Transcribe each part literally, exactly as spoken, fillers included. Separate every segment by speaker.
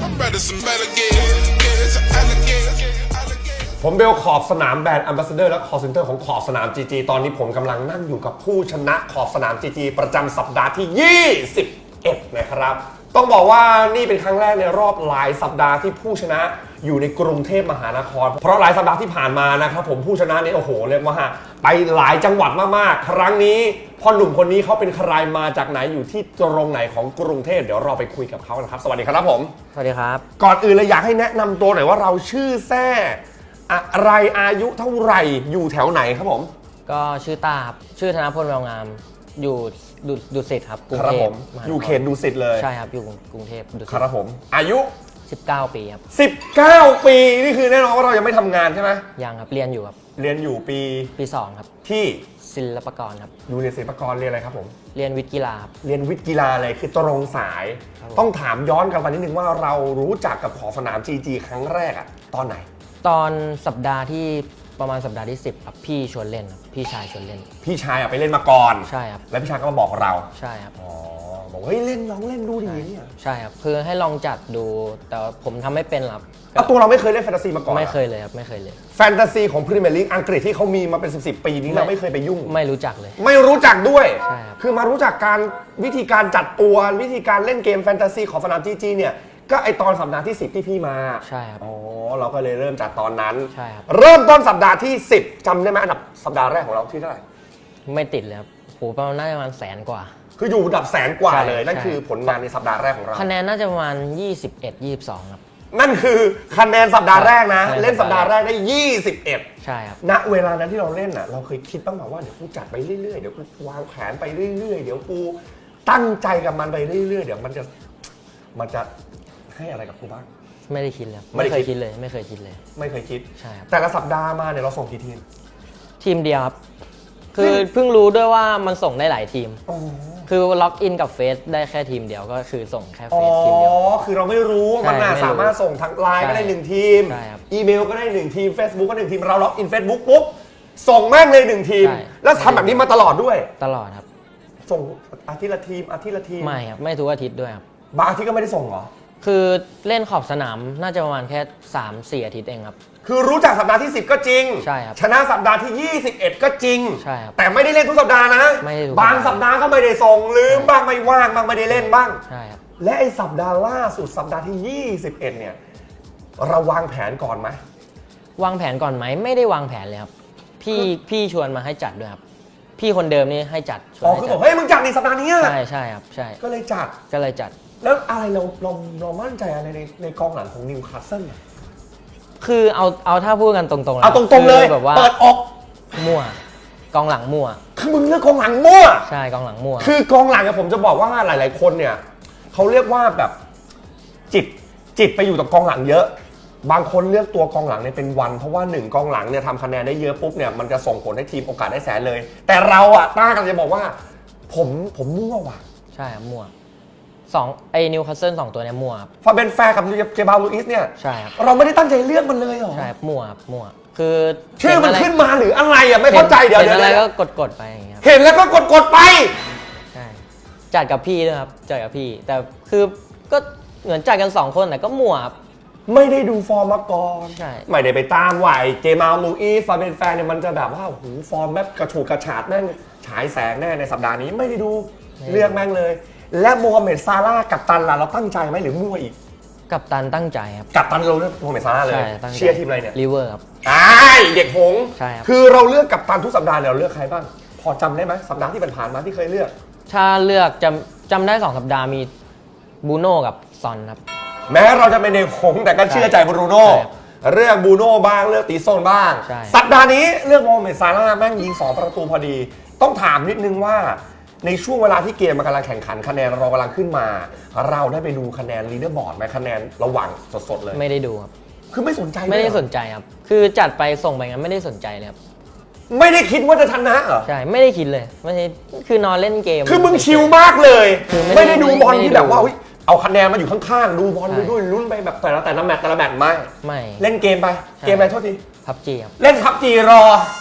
Speaker 1: ผมเบลขอบสนามแบรนด์แอมบาสเดอร์และคอร์เซนเตอร์ของขอบสนาม จี จี ตอนนี้ผมกำลังนั่งอยู่กับผู้ชนะขอบสนาม จี จี ประจำสัปดาห์ที่ ยี่สิบเอ็ด นะครับต้องบอกว่านี่เป็นครั้งแรกในรอบหลายสัปดาห์ที่ผู้ชนะอยู่ในกรุงเทพมหานครเพราะหลายสัปดาห์ที่ผ่านมานะครับผมผู้ชนะนี่โอ้โหเรียกว่าไปหลายจังหวัดมากๆครั้งนี้พ่อหนุ่มคนนี้เขาเป็นใครมาจากไหนอยู่ที่ตรงไหนของกรุงเทพเดี๋ยวเราไปคุยกับเขานะครับสวัสดีครับผม
Speaker 2: สวัสดีครับ
Speaker 1: ก่อนอื่นเลยอยากให้แนะนำตัวหน่อยว่าเราชื่อแซ่อะไรอายุเท่าไหร่อยู่แถวไหนครับผม
Speaker 2: ก็ชื่อตาครับชื่อธนพลแววงามอยู่ดุดุสิตครับ
Speaker 1: กรุงเทพอยู่เขตดุสิตเลย
Speaker 2: ใช่ครับอยู่กรุงเทพดุสิต
Speaker 1: ครับผมอายุ
Speaker 2: สิบเก้าปีครับ
Speaker 1: สิบเก้าปีนี่คือแน่นอนว่าเรายังไม่ทำงานใช่ไหม
Speaker 2: ยังครับเรียนอยู่ครับ
Speaker 1: เรียนอยู่ปี
Speaker 2: ปีสองครับ
Speaker 1: ที่
Speaker 2: ศิลปากรครับ
Speaker 1: อยู่เรียนศิลปากรเรียนอะไรครับผม
Speaker 2: เรียนวิทย์กีฬาครับ
Speaker 1: เรียนวิทย์กีฬาอะไรคือตรงสายต้องถามย้อนกลับไปนิดนึงว่าเรารู้จักกับขอบสนาม จี จี ครั้งแรกอะตอนไหน
Speaker 2: ตอนสัปดาห์ที่ประมาณสัปดาห์ที่สิบครับพี่ชวนเล่นครับพี่ชายชวนเล่น
Speaker 1: พี่ชายอะไปเล่นมาก่อน
Speaker 2: ใช่ครับ
Speaker 1: แล้วพี่ชายก็มาบอกเรา
Speaker 2: ใช่ครับ
Speaker 1: อ๋อบอกเฮ้ยเล่นลองเล่นดูดิเนี่ย
Speaker 2: ใช่ครับคือให้ลองจัดดูแต่ผมทำไม่เป็นครับ
Speaker 1: ตัวเราไม่เคยเล่นแฟนตาซีมาก่อน
Speaker 2: ไม่เคยเลยครับไม่เคยเลย
Speaker 1: แฟนตาซีของพรีเมียร์ลีกอังกฤษที่เขามีมาเป็นสิบสิบปีนี้เราไม่เคยไปยุ่ง
Speaker 2: ไม่รู้จักเลย
Speaker 1: ไม่รู้จักด้วย
Speaker 2: ใช่ครับ
Speaker 1: คือมารู้จักการวิธีการจัดตัววิธีการเล่นเกมแฟนตาซีของสนาม จี จี เนี่ยก็ไอตอนสัปดาห์ที่สิบที่พี่มา
Speaker 2: ใช่ครับ
Speaker 1: อ๋อเราก็เลยเริ่มจากตอนนั้น
Speaker 2: ใช่ครับ
Speaker 1: เริ่มต้นสัปดาห์ที่สิบจำได้ไหมอันดับสัปดาห์แรกของเราที่เท่าไหร่
Speaker 2: ไม่ติดเลยครับโหประมาณน่าจะประมาณแสนกว่า
Speaker 1: คืออยู่อันดับแสนกว่าเลยนั่นคือผลงานในสัปดาห์แรกของเรา
Speaker 2: คะแนนน่าจะประมาณยี่สิบเอ็ด ยี่สิบสองครับ
Speaker 1: นั่นคือคะแนนสัปดาห์แรกนะเล่นสัปดาห์แรกได้ยี่สิบเอ็ด
Speaker 2: ใช่ครับ
Speaker 1: ณเวลานั้นที่เราเล่นน่ะเราเคยคิดบ้างไหมว่าเดี๋ยวกูจัดไปเรื่อยๆเดี๋ยวกูวางแผนไปเรื่อยๆเดี๋ยวกูตั้งใจกับมันไปเรื่อยๆเดี๋ยวมันจะมันจะให้อะไรกับกูบ้าง
Speaker 2: ไม่ได้คิดเลยไม่เคยคิดเลยไม่เคยคิดเลย
Speaker 1: ไม่เคยคิด
Speaker 2: ใช่ครับ
Speaker 1: แต่ละสัปดาห์มาเนี่ยเราส่งกี่ทีม
Speaker 2: ทีมเดียวครับคือเพิ่งรู้ด้วยว่ามันส่งได้หลายทีมคือล็อกอินกับเฟซได้แค่ทีมเดียวก็คือส่งแค่เฟซทีมเดียว
Speaker 1: อ๋อคือเราไม่รู้มันน่าสามารถส่งทางไลน์ก็ได้หนึ่งทีมอีเมลก็ได้หนึ่งทีม Facebook ก็หนึ่งทีมเราล็อกอิน Facebook ปุ๊บส่งแม่งเลยหนึ่งทีมแล้วทำแบบนี้มาตลอดด้วย
Speaker 2: ตลอดครับ
Speaker 1: ส่งอาทิตย์ละทีมอาทิตย์ละทีม
Speaker 2: ไม่ครับไม่ทุกอาทิตย์ด้วยครับ
Speaker 1: บางอาทิตย์ก็ไม่ได้ส่งเหรอ
Speaker 2: คือเล่นขอบสนามน่าจะประมาณแค่ สามสี่ อาทิตย์เองครับ
Speaker 1: คือรู้จักสัปดาห์ที่สิบก็จริง
Speaker 2: ใช่ครับ
Speaker 1: ชนะสัปดาห์ที่ยี่สิบเอ็ดก็จริง
Speaker 2: ใช่ครับ
Speaker 1: แต่ไม่ได้เล่นทุกสัปดาห์นะ
Speaker 2: ไม่ได้
Speaker 1: บางสัปดาห์ก็ไม่ได้ส่งลืมบ้างไม่ว่างบ้างไม่ได้เล่นบ้าง
Speaker 2: ใช่ครับ
Speaker 1: และไอ้สัปดาห์ล่าสุดสัปดาห์ที่ยี่สิบเอ็ดเนี่ยเราวางแผนก่อนไหม
Speaker 2: วางแผนก่อนไหมไม่ได้วางแผนเลยครับพี่พี่ชวนมาให้จัดด้วยครับพี่คนเดิมนี่ให้จัด
Speaker 1: อ๋อคือบอกเฮ้ยมึงจัดในสัปดาห์นี้
Speaker 2: ใช่ใช่ครับใช่
Speaker 1: ก็เลยจัด
Speaker 2: ก็เลยจัด
Speaker 1: แล้วอะไรเราเราเรามั่นใจอะไรในในกองหลังของนิวคาสเซิล
Speaker 2: คือเอาเอาถ้าพูดกันตรงๆ
Speaker 1: เอาตรงๆเลย
Speaker 2: แบบว่า
Speaker 1: เปิดอก
Speaker 2: มั่วกองหลังมั่ว
Speaker 1: คือมึงเลือกกองหลังมั่ว
Speaker 2: ใช่กองหลังมั่ว
Speaker 1: คือกองหลังผมจะบอกว่าหลายๆคนเนี่ยเขาเรียกว่าแบบจิตจิตไปอยู่กับกองหลังเยอะบางคนเลือกตัวกองหลังเนี่ยเป็นวันเพราะว่าหนึ่งกองหลังเนี่ยทำคะแนนได้เยอะปุ๊บเนี่ยมันจะส่งผลให้ทีมโอกาสได้แสนเลยแต่เราอะต้ากันจะบอกว่าผมผมมั่วว่ะ
Speaker 2: ใช่มั่วสองไอ้นิวคาสเซิลสองตัวเนี่ยมั่ว
Speaker 1: ฟาเบนแฟร์กับเจบาลูอิสเนี่ย
Speaker 2: ใช่ครับ
Speaker 1: เราไม่ได้ตั้งใจเลือกมันเลยหรอ
Speaker 2: ใช่มั่วมั่วคือ
Speaker 1: ชื่อมันขึ้นมาหรืออะไรอ่ะไม่เข้าใจเดี๋ยว
Speaker 2: เดี๋ยวอะไรก็กดกดไปอย่างเงี้ย
Speaker 1: เห็นแล้วก็กดกดไป
Speaker 2: ใช่จัดกับพี่ด้วยครับจัดกับพี่แต่คือก็เหมือนจัดกันสองคนแต่ก็มั่วครับ
Speaker 1: ไม่ได้ดูฟอร์มมาก่อน
Speaker 2: ใช่
Speaker 1: ไม่ได้ไปตามไหวเจมาลูอิสฟาเบนแฟร์เนี่ยมันจะแบบว่าหูฟอร์มแบบกระฉูดกระฉาดแม่งฉายแสงแน่ในสัปดาห์นี้ไม่ได้ดูเลือกแม่งเลยและโมฮัมเหม็ดซาร่าห์กัปตันล่ะเราตั้งใจไหมหรือมั่วอีก
Speaker 2: กัปตันตั้งใจครับ
Speaker 1: กัปตันเราเลือกโมฮัมเหม็ดซาร่าห์เลยเชียร์ทีมอะไรเนี่ย
Speaker 2: ลิเวอร์ครับ
Speaker 1: ไอ้เด็กหง
Speaker 2: ใช่ครับ
Speaker 1: คือเราเลือกกัปตันทุกสัปดาห์เนี่ยเราเลือกใครบ้างพอจำได้ไหมสัปดาห์ที่ผ่านมาที่เคยเลือก
Speaker 2: ถ้าเลือกจำจำได้สองสัปดาห์มีบูโน่กับซอนครับ
Speaker 1: แม้เราจะเป็นเด็กหงแต่ก็เชื่อใจบรูโน่เลือกบูโน่บ้างเลือกตีโซนบ้างสัปดาห์นี้เลือกโมฮัมเหม็ดซาร่าห์แม่งยิงสองประตูพอดีต้องถามนิดนึงว่าในช่วงเวลาที่เกมมันกำลังแข่งขันคะแนนเรากำลังขึ้นมาเราได้ไปดูคะแนนลีดเดอร์บอร์ดไหมคะแนนระหว่างสดๆเลย
Speaker 2: ไม่ได้ดูครับ
Speaker 1: คือไม่สนใจ
Speaker 2: ไม่ได้สนใจครับคือจัดไปส่งไปงั้นไม่ได้สนใจเลยครับ
Speaker 1: ไม่ได้คิดว่าจะชนะเหรอ
Speaker 2: ใช่ไม่ได้คิดเลยไม่ใช่คือนอนเล่นเกม
Speaker 1: คือมึงชิลมากเลยไม่ได้ดูบอลที่แบบว่าเอาคะแนนมาอยู่ข้างๆดูบอลไปด้วยลุ้นไปแบบแต่ละแต่ละแมตช์แต่ละแมตช์ไม่
Speaker 2: ไม่
Speaker 1: เล่นเกมไปเกมอะไรโทษที
Speaker 2: พับจีครับ
Speaker 1: เล่นพับจีรอ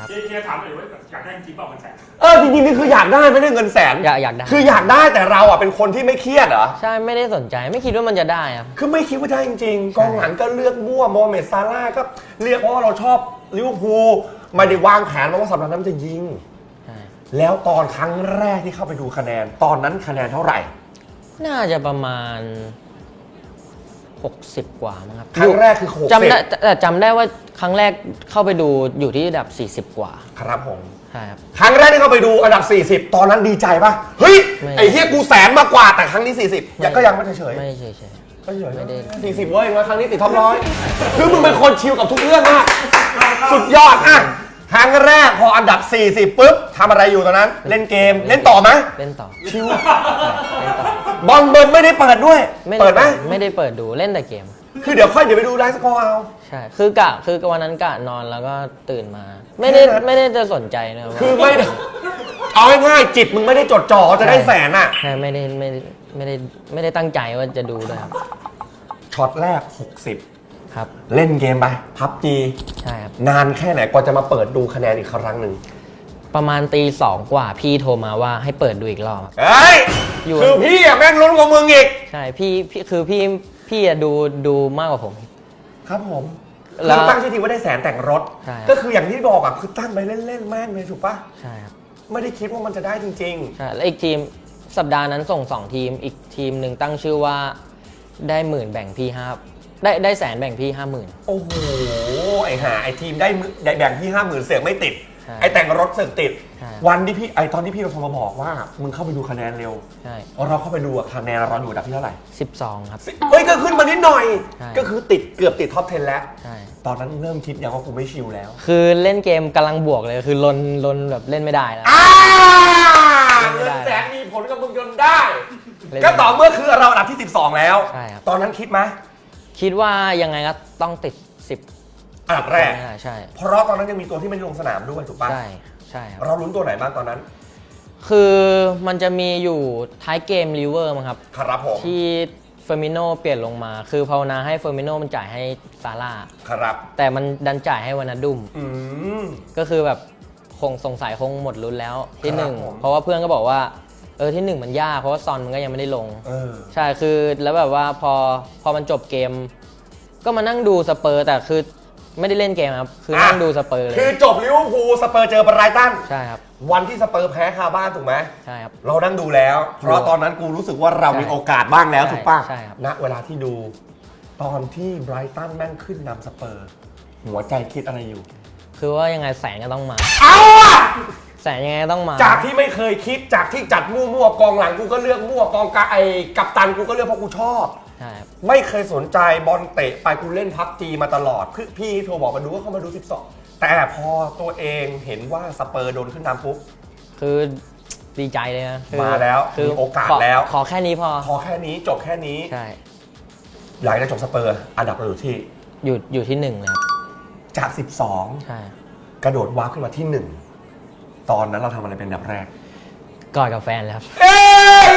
Speaker 2: ครับ
Speaker 3: เฮียถามเลยว่าอยากได้จริงเปล่าเงินแสน
Speaker 1: เออจริงๆนี่คืออยากได้ไม่ได้เงินแสน
Speaker 2: อยากอยากได้
Speaker 1: คืออยากได้แต่เราอ่ะเป็นคนที่ไม่เครียดเหรอ
Speaker 2: ใช่ไม่ได้สนใจไม่คิดว่ามันจะได้ครับ
Speaker 1: คือไม่คิดว่าได้จริงๆกองหลังก็เลือกมั่วโมฮัมเหม็ดซาร่าห์ก็เรียกเพราะว่าเราชอบลิเวอร์พูลไม่ได้วางแผนมาว่าสัปดาห์นั้นมันจะยิง
Speaker 2: ใช่
Speaker 1: แล้วตอนครั้งแรกที่เข้าไปดูคะแนน ตอนนั้นคะแนนเท่าไหร่
Speaker 2: น่าจะประมาณหกสิบกว่ามั้งครับ
Speaker 1: ครั้งแรกคือหกสิบ
Speaker 2: จำได้แต่จำได้ว่าครั้งแรกเข้าไปดูอยู่ที่ระดับสี่สิบกว่า
Speaker 1: ครับผม
Speaker 2: ใช่ครับ
Speaker 1: ครั้งแรกที่เข้าไปดูอันดับสี่สิบตอนนั้นดีใจป่ะเฮ้ย
Speaker 2: ไม่
Speaker 1: ไอ้เฮียกูแสนมากกว่าแต่ครั้งนี้สี่สิบยังก็ยังไม่เฉยๆ
Speaker 2: ไม่เฉยเฉย
Speaker 1: ก็เฉย
Speaker 2: ไม่ได้
Speaker 1: สี่สิบเว้ยงั้นครั้งนี้ติดท็อปร้อยคือมึงเป็นคนชิลกับทุกเรื่องมากสุดยอดอ่ะครั้งแรกพออันดับสี่สิบปุ๊บทำอะไรอยู่ตอนนั้น เล่นเกมเล่นต่อไหม
Speaker 2: เล่นต่อ
Speaker 1: ชิล
Speaker 2: เล่นต่อบ
Speaker 1: อลเบิร์นไม่ได้เปิดด้วย
Speaker 2: ไม่
Speaker 1: เปิดไหม
Speaker 2: ไม่ได้เปิดดูเล่นแต่เกม
Speaker 1: คือเดี๋ยวค่อยเดี๋ยวไปดูไลฟ์สกอร์เอา
Speaker 2: ใช่คือกะคือวันนั้นกะนอนแล้วก็ตื่นมา ไม่ได้
Speaker 1: แค่นั้น
Speaker 2: ไม่ได้จะสนใจนะครับ
Speaker 1: คือไม่ได้เอาง่ายๆจิตมึงไม่ได้จดจ่อจะได้แสนอ่ะ
Speaker 2: ใช่ไม่ได้ไม่ได้ไม่ได้ไม่ได้ตั้งใจว่าจะดูด้วยครับ
Speaker 1: ช็อตแรกหกสิบ
Speaker 2: ครับ
Speaker 1: เล่นเกมไปพับจี
Speaker 2: ใช่ครับ
Speaker 1: นานแค่ไหนกว่าจะมาเปิดดูคะแนนอีกครั้งหนึ่ง
Speaker 2: ประมาณตีสองกว่าพี่โทรมาว่าให้เปิดดูอีกรอบ
Speaker 1: เฮ้ย
Speaker 2: อยู่
Speaker 1: คือพี่อะแม่งลุ้นกว่ามึงอีก
Speaker 2: ใช่พี่พี่คือพี่พี่อะดูดูมากกว่าผม
Speaker 1: ครับผม
Speaker 2: แล้
Speaker 1: คือ
Speaker 2: ว
Speaker 1: ตั้งชื่อทีมว่าได้แสนแต่งรถ
Speaker 2: ใช่ครับ
Speaker 1: ก็คืออย่างที่บอกอะคือตั้งไปเล่นๆแม่งเลยถูกปะ
Speaker 2: ใช่ครับ
Speaker 1: ไม่ได้คิดว่ามันจะได้จริง
Speaker 2: ใช่แล้วอีกทีมสัปดาห์นั้นส่งสองทีมอีกทีมหนึ่งตั้งชื่อว่าได้หมื่นแบ่งพี่ห้าได้ได้แสนแบ่งพี่ห้าหมื่น
Speaker 1: ๆ โอ้โหไอ้ห่าไอ้ทีมได้มือได้แบ่งพี่ห้าหมื่นเสียงไม่ติด
Speaker 2: ใช่
Speaker 1: ไอ้แต่งรถเสียงติด
Speaker 2: ใช่
Speaker 1: วันที่พี่ไอ้ตอนที่พี่เราโทรมาบอกว่ามึงเข้าไปดูคะแนนเร็ว
Speaker 2: ใช่
Speaker 1: เราเข้าไปดูอะคะแนนเราอยู่อันดับที่เท่าไหร่
Speaker 2: สิบสองครับ
Speaker 1: สิเฮ้ยก็ขึ้นมานิดหน่อย
Speaker 2: ใช่
Speaker 1: ก็คือติดเกือบติดท็อปสิบแล้ว
Speaker 2: ใช่
Speaker 1: ตอนนั้นเริ่มคิดยังว่ากูไม่ชิลแล้ว
Speaker 2: คือเล่นเกมกำลังบวกเลยคือลนลนแบบเล่นไม่ได้แล้ว
Speaker 1: อ่า
Speaker 2: ไม่
Speaker 1: เงิ
Speaker 2: ได้
Speaker 1: นแสนมีผลกับมึงจนได้
Speaker 2: เล่น
Speaker 1: ก็ต่อเมื่อคือเราอันดับที่สิบสองแล้ว
Speaker 2: ใช่ครับ
Speaker 1: ตอนนั้นคิดไหม
Speaker 2: คิดว่ายังไงก็ต้องติดสิบ
Speaker 1: อันดับแรก
Speaker 2: ไม่ได้ใช่
Speaker 1: เพราะตอนนั้นยังมีตัวที่ไม่ได้ลงสนามด้วยถูกปะ
Speaker 2: ใช่ใช่ครับ
Speaker 1: เราลุ้นตัวไหนบ้างตอนนั้น
Speaker 2: คือมันจะมีอยู่ท้ายเกมลิเวอร์มั้งครับ
Speaker 1: ครับผม
Speaker 2: ที่เฟอร์มิโนเปลี่ยนลงมา คือภาวนาให้เฟอร์มิโนมันจ่ายให้ซาร่า
Speaker 1: ครับ
Speaker 2: แต่มันดันจ่ายให้วานาดุม
Speaker 1: อืม
Speaker 2: ก็คือแบบคงสงสัยคงหมดลุ้นแล้วที่
Speaker 1: ครับ
Speaker 2: หนึ่ง
Speaker 1: ผม
Speaker 2: เพราะว่าเพื่อนก็บอกว่าเออที่หนึ่งมันยากเพราะว่าซอนมันก็ยังไม่ได้ลง
Speaker 1: เออ
Speaker 2: ใช่คือแล้วแบบว่าพอพอมันจบเกม ก็มานั่งดูสเปอร์ แต่คือไม่ได้เล่นเกมครับ คือนั่งดูสเปอร์เล
Speaker 1: คือย จบลิเวอร์พูลสเปอร์เจอไบรตัน
Speaker 2: ใช่ครับ
Speaker 1: วันที่สเปอร์แพ้คาบ้านถูกไหม
Speaker 2: ใช่ครับ
Speaker 1: เรานั่งดูแล้ว เพราะตอนนั้นกูรู้สึกว่าเรามีโอกาสบ้างแล้ว
Speaker 2: ใช่
Speaker 1: ถูกป่ะ
Speaker 2: ใช่ครับ
Speaker 1: ณเวลาที่ดู ตอนที่ไบรตันแม่งขึ้นนำสเปอร์ หัวใจคิดอะไรอยู่
Speaker 2: คือว่ายังไงแสงก็ต้องมา
Speaker 1: เอาอะ
Speaker 2: แสงยังไงก็ต้องมา
Speaker 1: จากที่ไม่เคยคิดจากที่จัดมั่วๆกองหลังกูก็เลือกมั่วกองกาไอกัปตันกูก็เลือกเพราะกูชอบ
Speaker 2: ใช่ครับ
Speaker 1: ไม่เคยสนใจบอลเตะไปกูเล่นพับจีมาตลอดพี่พี่โทรบอกมาดูก็เข้ามาดูสิบสองแต่พอตัวเองเห็นว่าสเปอร์โดนขึ้นนำปุ๊บ
Speaker 2: คือดีใจเลยนะคือ
Speaker 1: มาแล้ว
Speaker 2: คือ
Speaker 1: มีโอกาส
Speaker 2: ข
Speaker 1: แล้ว
Speaker 2: ขอแค่นี้พอ
Speaker 1: พอแค่นี้จบแค่นี้
Speaker 2: ใช่
Speaker 1: หลังจากจบสเปอร์อันดับเราอยู่ที่
Speaker 2: อยู่อยู่ที่หนึ่งเลยครับ
Speaker 1: จากสิบสอง
Speaker 2: ใช่
Speaker 1: กระโดดว้าวขึ้นมาที่หนึ่งตอนนั้นเราทำอะไรเป็นอันดับแรก
Speaker 2: กอดกับแฟนเลยครับ
Speaker 1: เอ้ย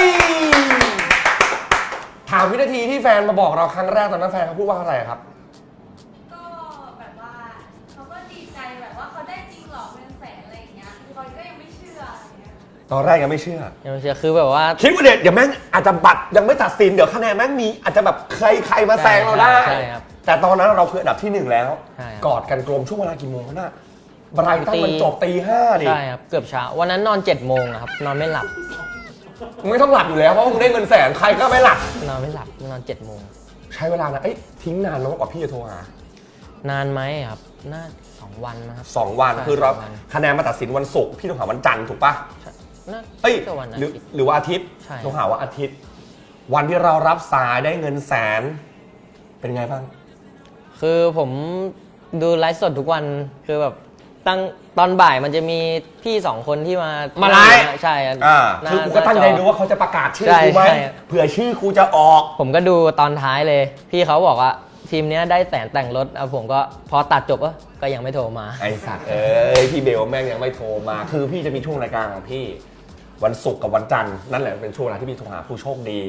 Speaker 1: ถามวินาทีที่แฟนมาบอกเราครั้งแรกตอนนั้นแฟนเขาพูดว่าอะไรครับ
Speaker 4: ก็แบบว่าเขาก็ดีใจแบบว่าเขาได้จริงเหรอเป็นแสนอะไรอย่างเงี้ยคือเขาก็ยังไม่เชื่ออะไรเงี้ย
Speaker 1: ตอนแรกยังไม่เชื่อ
Speaker 2: ยังไม่เชื่อคือแบบว่า
Speaker 1: คิดว่าเด็ดเดี๋ยวแม่งอาจจะบัตรยังไม่ตัดสินเดี๋ยวคะแนนแม่งมีอาจจะแบบใครใครมาแซงเราได้
Speaker 2: ใช่ครับ
Speaker 1: แต่ตอนนั้นเราคืออันดับที่หนึ่งแล้ว
Speaker 2: ใช่ครับ
Speaker 1: กอดกันกลมช่วงเวลากี่โมงวะน่ะไบรตันมันจบตีห้าดิ
Speaker 2: ใช่ครับ เกือบเช้า วันนั้นนอนเจ็ดโมงอะครับ นอนไม่หลับ
Speaker 1: มึงไม่ต้องหลับอยู่แล้วเพราะมึงได้เงินแสนใครก็ไม่หลับ
Speaker 2: นอนไม่หลับ นอนเจ็ดโมง
Speaker 1: ใช้เวลานะเอ้ยทิ้งนานแล้วกว่าพี่จะโทรหาน
Speaker 2: านไหมครับ น่าสองวันนะครับ
Speaker 1: สองวัน
Speaker 2: ใช่
Speaker 1: คือเรา
Speaker 2: สองวัน
Speaker 1: คะแนนมาตัดสินวันศุกร์พี่โทรหาวันจันทร์ถูกปะ
Speaker 2: น่า
Speaker 1: เอ้ย
Speaker 2: จะวันอา
Speaker 1: หรือ
Speaker 2: ทิตย์
Speaker 1: หรือว่าอาทิตย์
Speaker 2: ใช่
Speaker 1: โทรหาว่าอาทิตย์ วันที่เรารับสายได้เงินแสน เป็นไงบ้าง
Speaker 2: คือผมดูไลฟ์สดทุกวัน คือแบบตั้งตอนบ่ายมันจะมีพี่สองคนที่มา
Speaker 1: มา
Speaker 2: มา
Speaker 1: ไลฟ์
Speaker 2: ใช่
Speaker 1: อ่า
Speaker 2: หน้า
Speaker 1: คือกูก็ตั้งใจ
Speaker 2: หน้าจ
Speaker 1: ดูว่าเขาจะประกาศชื่อ
Speaker 2: ใช่
Speaker 1: กูไหม
Speaker 2: ใช่
Speaker 1: เผื่อชื่อกูจะออก
Speaker 2: ผมก็ดูตอนท้ายเลย พี่เขาบอกว่าทีมเนี้ยได้แสนแต่งรถอ่ะผมก็พอตัดจบเออก็ยังไม่โทรมา
Speaker 1: ไอ้สัตว์เอ้ยพี่เบลแม่งยังไม่โทรมา คือพี่จะมีช่วงรายการของพี่ วันศุกร์กับวันจันทร์นั่นแหละเป็นช่วงเวลาที่พี่โทรหาผู้โชคดี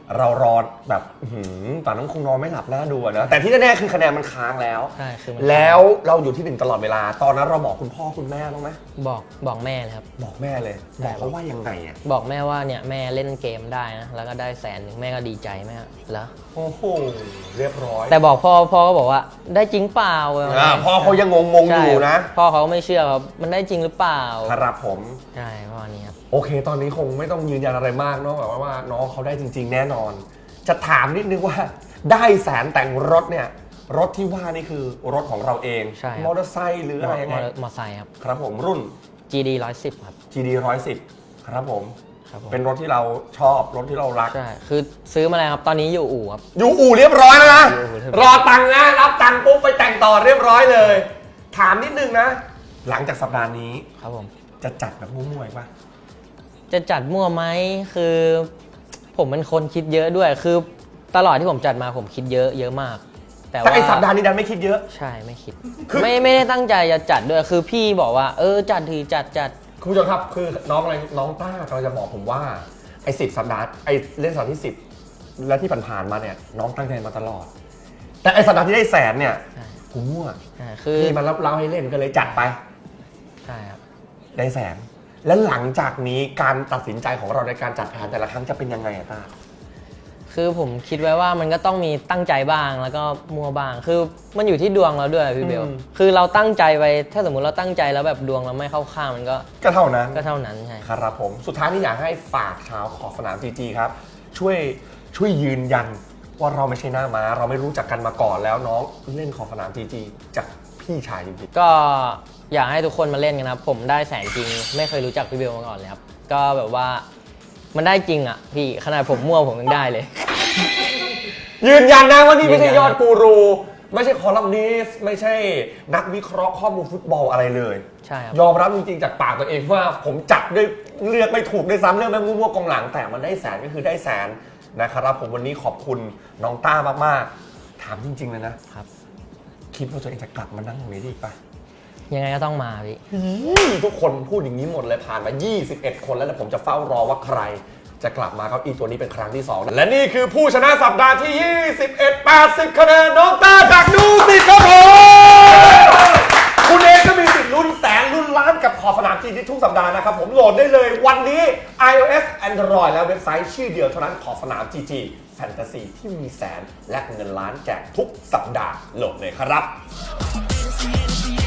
Speaker 1: เรารอแบบอื้อหือป่านน้องคงนอนไม่หลับน่าดูอะนะแต่ที่แน่ๆคือคะแนนมันค้างแล้ว
Speaker 2: ใช่คือมัน
Speaker 1: แล้วเราอยู่ที่หนึ่งตลอดเวลา ตอนนั้นเราบอกคุณพ่อคุณแม่บ้างไหม
Speaker 2: บอกบอกแม่เลยครับ
Speaker 1: บอกแม่เลย
Speaker 2: ใช่
Speaker 1: บอกเขาว่ายังไงอ่ะ
Speaker 2: บอกแม่ว่าเนี่ยแม่เล่นเกมได้นะแล้วก็ได้แสนหนึ่งแม่ก็ดีใจแม่เหรอ
Speaker 1: โอ้โหเรียบร้อย
Speaker 2: แต่บอกพ่อพ่อก็บอกว่าได้จริงเปล่า
Speaker 1: อ่าพ่อเขายังงงๆอยู่นะ
Speaker 2: พ่อเขาไม่เชื่อครับมันได้จริงหรือเปล่า
Speaker 1: ครับผม
Speaker 2: ใช่ประมาณนี้ครับ
Speaker 1: โอเค ตอนนี้คงไม่ต้องยืนยันอะไรมากเนาะแบบว่าว่าน้องเขาได้จริง ๆ แน่นอน จะถามนิดนึงว่าได้แสนแต่งรถเนี่ยรถที่ว่านี่คือรถของเราเอง
Speaker 2: ใช่ครับ
Speaker 1: มอเตอร์ไซค์หรืออะไรยังไง
Speaker 2: มอมอไซค์ครับ
Speaker 1: ครับผมรุ่น
Speaker 2: จี ดี หนึ่งร้อยสิบครับ
Speaker 1: จี ดี หนึ่งร้อยสิบครับผม
Speaker 2: ครับผม
Speaker 1: เป็นรถที่เราชอบรถที่เรารัก
Speaker 2: ใช่คือซื้อมาแล้วครับตอนนี้อยู่อู่ครับ
Speaker 1: อยู่อู่เรียบร้อยแล้วนะ
Speaker 2: อยู่อู่เรียบร้อย
Speaker 1: รอตังค์นะรับตังค์ปุ๊บไปแต่งต่อเรียบร้อยเลย ถามนิดนึงนะ หลังจากสัปดาห์นี้
Speaker 2: ครับผม
Speaker 1: จะจัดแบบมั่วๆอีกป่ะ
Speaker 2: จะจัดมั่วไหมคือ ผมเป็นคนคิดเยอะด้วย คือตลอดที่ผมจัดมาผมคิดเยอะเยอะมาก แต่
Speaker 1: แต่
Speaker 2: ว่า
Speaker 1: ไอสัปดาห์นี้ดันไม่คิดเยอะ
Speaker 2: ใช่ไม่คิด
Speaker 1: คือ
Speaker 2: ไม่ไม่ได้ตั้งใจจะจัดด้วยคือพี่บอกว่า เออจัดทีจัดจัด
Speaker 1: คุณผู้ชมครับคือน้องอะไรน้องต้ากำลังจะบอกผมว่าไอ้สิบสัปดาห์ไอ้เล่นสัปดาห์ที่สิบและที่ผ่านๆมาเนี่ยน้องตั้งใจมาตลอด แต่ไอ้สัปดาห์ที่ได้แสนเนี่ย
Speaker 2: ใช่
Speaker 1: ผมมั่ว
Speaker 2: ใช่คือ
Speaker 1: พี่มันรับเล่าให้เล่นก็เลยจัดไป
Speaker 2: ใช่ครับ
Speaker 1: ได้แสน และหลังจากนี้การตัดสินใจของเราในการจัดแผนแต่ละครั้งจะเป็นยังไงอะต้า
Speaker 2: คือผมคิดไว้ว่ามันก็ต้องมีตั้งใจบ้างแล้วก็มัวบ้าง คือมันอยู่ที่ดวงเราด้วยพี่เบล
Speaker 1: อืม
Speaker 2: คือเราตั้งใจไปถ้าสมมุติเราตั้งใจแล้วแบบดวงเราไม่เข้าข้างมันก็
Speaker 1: ก็เท่านั้น
Speaker 2: ก็เท่านั้นใช่
Speaker 1: ครับผมสุดท้ายนี่อยากให้ฝากชาวขอบสนามจีจีครับ ช่วยช่วยยืนยันว่าเราไม่ใช่หน้าม้า เราไม่รู้จักกันมาก่อนแล้วน้องเล่นขอบสนามจีจีจากพี่ชายจริง
Speaker 2: ก็อยากให้ทุกคนมาเล่นกันนะครับผมได้แสนจริง ไม่เคยรู้จักพี่เบลมาก่อนเลยครับก็แบบว่ามันได้จริงอ่ะพี่ขนาดผมมั่วผมยังได้เลย
Speaker 1: ๆยืนยันนะว่านี่ไม่ใช่ยอดกูรู ไม่ใช่คอลัมนิสต์ไม่ใช่นักวิเคราะห์ข้อมูลฟุตบอลอะไรเลย
Speaker 2: ใช่ครับ
Speaker 1: ยอมรับจริงๆจากปากตัวเองว่าผมจับด้วยเลือกไม่ถูกด้วยซ้ำเรื่องแม่งมั่วๆกองหลังแต่มันได้แสนก็คือได้แสนนะครับผมวันนี้ขอบคุณน้องต้ามากๆ ถามจริงๆเลยนะครับ คิดว่าตัวเองจะกลับมานั่งตรงนี้ได้อีกปะ
Speaker 2: ยังไงก็ต้องมาพี่
Speaker 1: ทุกคนพูดอย่างนี้หมดเลยผ่านมา ยี่สิบเอ็ด คนแล้วแต่ผมจะเฝ้ารอว่าใครจะกลับมาเก้าอี้ตัวนี้เป็นครั้งที่สองและนี่คือผู้ชนะสัปดาห์ที่ ยี่สิบเอ็ด แปดสิบ คะแนนน้องต้าจากดูสิครับผมคุณเองก็มีสิทธิ์ลุ้นแสนลุ้นล้านกับขอบสนามจีนทุกสัปดาห์นะครับผมโหลดได้เลยวันนี้ iOS Android และเว็บไซต์ชื่อเดียวเท่านั้นขอบสนาม จี จี แฟนตาซีที่มีแสนและเงินล้านแจกทุกสัปดาห์โหลดเลยครับ